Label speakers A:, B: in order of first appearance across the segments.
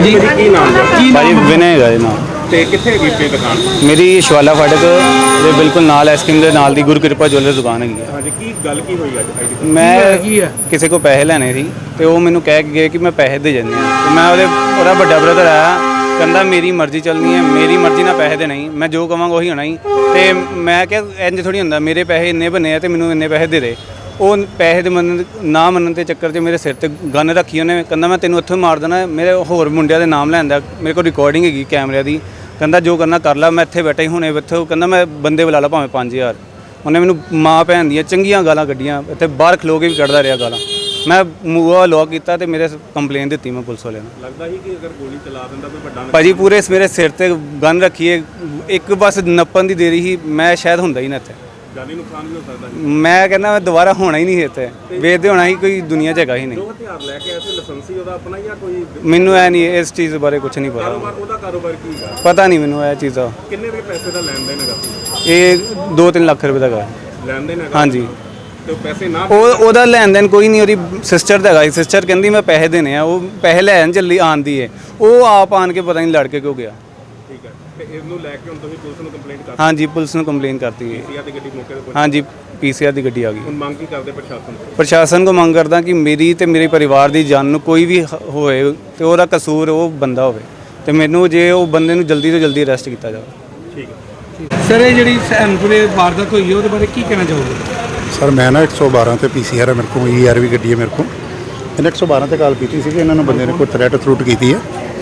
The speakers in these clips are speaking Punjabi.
A: ਜੀ ਕੀ ਨਾਮ ਹੈ
B: ਭਾਜੀ ਵਿਨੇ ਹੈਗਾ ਜੀ ਨਾਮ
A: ਤੇ ਕਿੱਥੇ ਹੈਗੀ ਆਪਣੀ ਦੁਕਾਨ?
B: ਮੇਰੀ ਸ਼ਵਾਲਾ ਫਾਟਕ ਦੇ ਬਿਲਕੁਲ ਨਾਲ ਐਸਕ੍ਰੀਮ ਦੇ ਨਾਲ ਦੀ ਗੁਰੂ ਕਿਰਪਾ ਜੁਐਲਰ ਦੁਕਾਨ ਹੈਗੀ ਹੈ।
A: ਹਾਂਜੀ, ਕੀ ਗੱਲ ਕੀ ਹੋਈ ਅੱਜ?
B: ਮੈਂ ਕਿਸੇ ਕੋ ਪੈਸੇ ਲੈਣੇ ਸੀ ਤੇ ਉਹ ਮੈਨੂੰ ਕਹਿ ਕੇ ਗਏ ਕਿ ਮੈਂ ਪੈਸੇ ਦੇ ਜਾਂਦੇ ਆ ਤੇ ਮੈਂ ਉਹਦਾ ਵੱਡਾ ਬ੍ਰਦਰ ਆਇਆ, ਕਹਿੰਦਾ ਮੇਰੀ ਮਰਜ਼ੀ ਚੱਲਣੀ ਹੈ, ਮੇਰੀ ਮਰਜ਼ੀ ਨਾਲ ਪੈਸੇ ਦੇਣਾ ਹੀ, ਮੈਂ ਜੋ ਕਵਾਂਗਾ ਉਹੀ ਹੋਣਾ ਹੀ। ਤੇ ਮੈਂ ਕਿਹਾ ਇੰਜ ਥੋੜੀ ਹੁੰਦਾ, ਮੇਰੇ ਪੈਸੇ ਇੰਨੇ ਬਣੇ ਆ ਤੇ ਮੈਨੂੰ ਇੰਨੇ ਪੈਸੇ ਦੇ ਦੇ। ਉਹ ਪੈਸੇ ਦੇ ਨਾ ਮੰਨਣ ਦੇ ਚੱਕਰ 'ਚ ਮੇਰੇ ਸਿਰ ਤੇ ਗਨ ਰੱਖੀ ਉਹਨੇ, ਕਹਿੰਦਾ ਮੈਂ ਤੈਨੂੰ ਇੱਥੋਂ ਮਾਰ ਦੇਣਾ। ਮੇਰੇ ਹੋਰ ਮੁੰਡਿਆਂ ਦੇ ਨਾਮ ਲੈਂਦਾ, ਮੇਰੇ ਕੋਲ ਰਿਕਾਰਡਿੰਗ ਹੈਗੀ ਕੈਮਰਿਆਂ ਦੀ। ਕਹਿੰਦਾ ਜੋ ਕਰਨਾ ਕਰ ਲਾ, ਮੈਂ ਇੱਥੇ ਬੈਠਾ ਹੀ ਹੁਣੇ ਇੱਥੋਂ, ਕਹਿੰਦਾ ਮੈਂ ਬੰਦੇ ਬੁਲਾ ਲਾ ਭਾਵੇਂ 5000। ਉਹਨੇ ਮੈਨੂੰ ਮਾਂ ਭੈਣ ਦੀਆਂ ਚੰਗੀਆਂ ਗਾਲਾਂ ਕੱਢੀਆਂ, ਇੱਥੇ ਬਾਹਰ ਖਲੋ ਕੇ ਵੀ ਕੱਢਦਾ ਰਿਹਾ ਗਾਲਾਂ। ਮੈਂ ਮੂੰਹ ਲੌਕ ਕੀਤਾ ਤੇ ਮੇਰੇ ਕੰਪਲੇਨ ਦਿੱਤੀ ਮੈਂ ਪੁਲਿਸ ਵਾਲਿਆਂ ਨੂੰ।
A: ਲੱਗਦਾ ਸੀ ਕਿ ਅਗਰ ਗੋਲੀ ਚਲਾ ਦਿੰਦਾ ਕੋਈ ਵੱਡਾ
B: ਭਾਜੀ ਪੂਰੇ ਮੇਰੇ ਸਿਰ ਤੇ ਗਨ ਰੱਖੀਏ, ਇੱਕ ਬਸ ਨੱਪਣ ਦੀ ਦੇਰੀ ਸੀ, ਮੈਂ ਸ਼ਾਇਦ ਹੁੰਦਾ ਹੀ ਨਾ ਇੱਥੇ।
A: ਜਾਨੀ ਨੁਕਸਾਨ ਵੀ ਹੋ ਸਕਦਾ ਸੀ।
B: ਮੈਂ ਕਹਿੰਦਾ ਮੈਂ ਦੁਬਾਰਾ ਹੋਣਾ ਹੀ ਨਹੀਂ ਇੱਥੇ, ਵੇਚਦੇ ਹੋਣਾ ਹੀ ਕੋਈ ਦੁਨੀਆ 'ਚ ਹੈਗਾ ਹੀ ਨਹੀਂ।
A: ਜੋ ਹਥਿਆਰ ਲੈ ਕੇ ਆਏ ਸੀ ਲਾਇਸੈਂਸੀ ਉਹਦਾ ਆਪਣਾ ਜਾਂ ਕੋਈ?
B: ਮੈਨੂੰ ਇਹ ਨਹੀਂ, ਇਸ ਚੀਜ਼ ਬਾਰੇ ਕੁਝ ਨਹੀਂ ਪਤਾ।
A: ਉਹਦਾ ਕਾਰੋਬਾਰ ਕੀ ਹੈ
B: ਪਤਾ ਨਹੀਂ ਮੈਨੂੰ ਇਹ ਚੀਜ਼ ਦਾ।
A: ਕਿੰਨੇ ਦੇ ਪੈਸੇ ਦਾ ਲੈਣ ਦੇਣ ਹੈਗਾ?
B: ਇਹ 2-3 ਲੱਖ ਰੁਪਏ ਦਾ ਹੈਗਾ।
A: ਲੈਣ ਦੇਣ ਹੈਗਾ?
B: ਹਾਂਜੀ।
A: ਤੇ ਪੈਸੇ ਨਾ
B: ਉਹਦਾ ਲੈਣ ਦੇਣ ਕੋਈ ਨਹੀਂ, ਉਹਦੀ ਸਿਸਟਰ ਦਾ ਹੈਗਾ। ਸਿਸਟਰ ਕਹਿੰਦੀ ਮੈਂ ਪੈਸੇ ਦੇਣੇ ਆ, ਉਹ ਪੈਸੇ ਲੈਣ ਚੱਲੀ ਆਂਦੀ ਹੈ, ਉਹ ਆਪ ਆਣ ਕੇ ਪਤਾ ਨਹੀਂ ਲੜ ਕੇ ਕਿਉਂ ਗਿਆ।
A: ਠੀਕ ਹੈ, ਤੇ ਇਸ ਨੂੰ ਲੈ ਕੇ ਹੁਣ ਤੁਸੀਂ ਪੁਲਿਸ ਨੂੰ ਕੰਪਲੇਂਟ ਕਰ?
B: ਹਾਂਜੀ, ਪੁਲਿਸ ਨੂੰ ਕੰਪਲੇਨ ਕਰਤੀ ਹੈ।
A: ਪੀਸੀਆਰ ਦੀ ਗੱਡੀ ਮੌਕੇ ਤੇ ਪਹੁੰਚੀ?
B: ਹਾਂਜੀ, ਪੀਸੀਆਰ ਦੀ ਗੱਡੀ ਆ ਗਈ।
A: ਹੁਣ ਮੰਗ ਕੀ ਕਰਦੇ ਪ੍ਰਸ਼ਾਸਨ ਤੋਂ?
B: ਪ੍ਰਸ਼ਾਸਨ ਕੋ ਮੰਗ ਕਰਦਾ ਕਿ ਮੇਰੀ ਤੇ ਮੇਰੇ ਪਰਿਵਾਰ ਦੀ ਜਾਨ ਨੂੰ ਕੋਈ ਵੀ ਹੋਏ ਤੇ ਉਹਦਾ ਕਸੂਰ ਉਹ ਬੰਦਾ ਹੋਵੇ, ਤੇ ਮੈਨੂੰ ਜੇ ਉਹ ਬੰਦੇ ਨੂੰ ਜਲਦੀ ਤੋਂ ਜਲਦੀ ਅਰੈਸਟ ਕੀਤਾ ਜਾਵੇ।
A: ਠੀਕ ਹੈ
C: ਸਰ, ਇਹ ਜਿਹੜੀ ਸੈਨਪੁਰੇ ਵਾਰਦਾਤ ਹੋਈ ਹੈ ਉਹਦੇ ਬਾਰੇ ਕੀ ਕਹਿਣਾ ਚਾਹੋਗੇ?
D: ਸਰ ਮੈਂ ਨਾ 112 ਤੇ ਪੀਸੀਆਰ ਹੈ ਮੇਰੇ ਕੋਲ, ਈਆਰ ਵੀ ਗੱਡੀ ਹੈ ਮੇਰੇ ਕੋਲ। ਇਹਨੇ 112 ਤੇ ਕਾਲ ਕੀਤੀ ਸੀ ਕਿ ਇਹਨਾਂ ਨੂੰ ਬੰਦੇ ਨੇ ਕੋਈ ਥਰੈਟ ਕੀਤੀ ਹੈ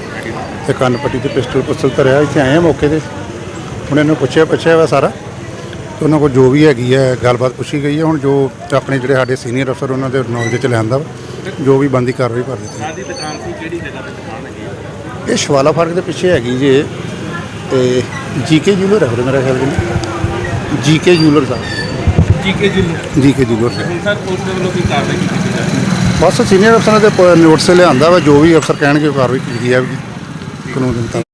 D: ਤੇ ਕੰਨ ਪੱਟੀ ਤੇ ਪਿਸਟਲ ਧਰਿਆ। ਇੱਥੇ ਆਏ ਆ ਮੌਕੇ ਤੇ, ਹੁਣ ਇਹਨੂੰ ਪੁੱਛਿਆ ਵਾ ਸਾਰਾ, ਤੇ ਉਹਨਾਂ ਕੋਲ ਜੋ ਵੀ ਹੈਗੀ ਹੈ ਗੱਲਬਾਤ ਪੁੱਛੀ ਗਈ ਹੈ। ਹੁਣ ਜੋ ਆਪਣੇ ਜਿਹੜੇ ਸਾਡੇ ਸੀਨੀਅਰ ਅਫਸਰ ਉਹਨਾਂ ਦੇ ਨੌਲੇਜ 'ਚ ਲਿਆਂਦਾ ਵਾ, ਜੋ ਵੀ ਬਣਦੀ ਕਾਰਵਾਈ ਕਰ ਦਿੱਤੀ।
A: ਸਾਡੀ ਦੁਕਾਨ ਸੀ, ਕਿਹੜੀ ਜਗ੍ਹਾ ਤੇ ਦੁਕਾਨ ਹੈਗੀ?
D: ਇਹ ਸ਼ਵਾਲਾ ਫਾਟਕ ਦੇ ਪਿੱਛੇ ਹੈਗੀ ਜੇ, ਤੇ ਜੀਕੇ ਜੂਲਰ ਹੈ ਮੇਰਾ ਖਿਆਲ ਜੀ, GK jeweller sahib,
C: GK ji
D: GK jeweller sahib.
A: ਹੁਣ ਸਰ ਪੁਲਿਸ ਦੇ ਵੱਲੋਂ ਕੀ ਕਾਰਵਾਈ ਕੀਤੀ ਜਾ ਰਹੀ ਹੈ?
D: ਬਸ ਸੀਨੀਅਰ ਅਫਸਰਾਂ ਦੇ ਨੋਟਿਸ ਲਿਆਂਦਾ ਵਾ, ਜੋ ਵੀ ਅਫਸਰ ਕਹਿਣਗੇ ਉਹ ਕਾਰਵਾਈ ਕੀਤੀ ਜਾਵੇਗੀ ਕਾਨੂੰਨ ਦੇ ਮੁਤਾਬਕ।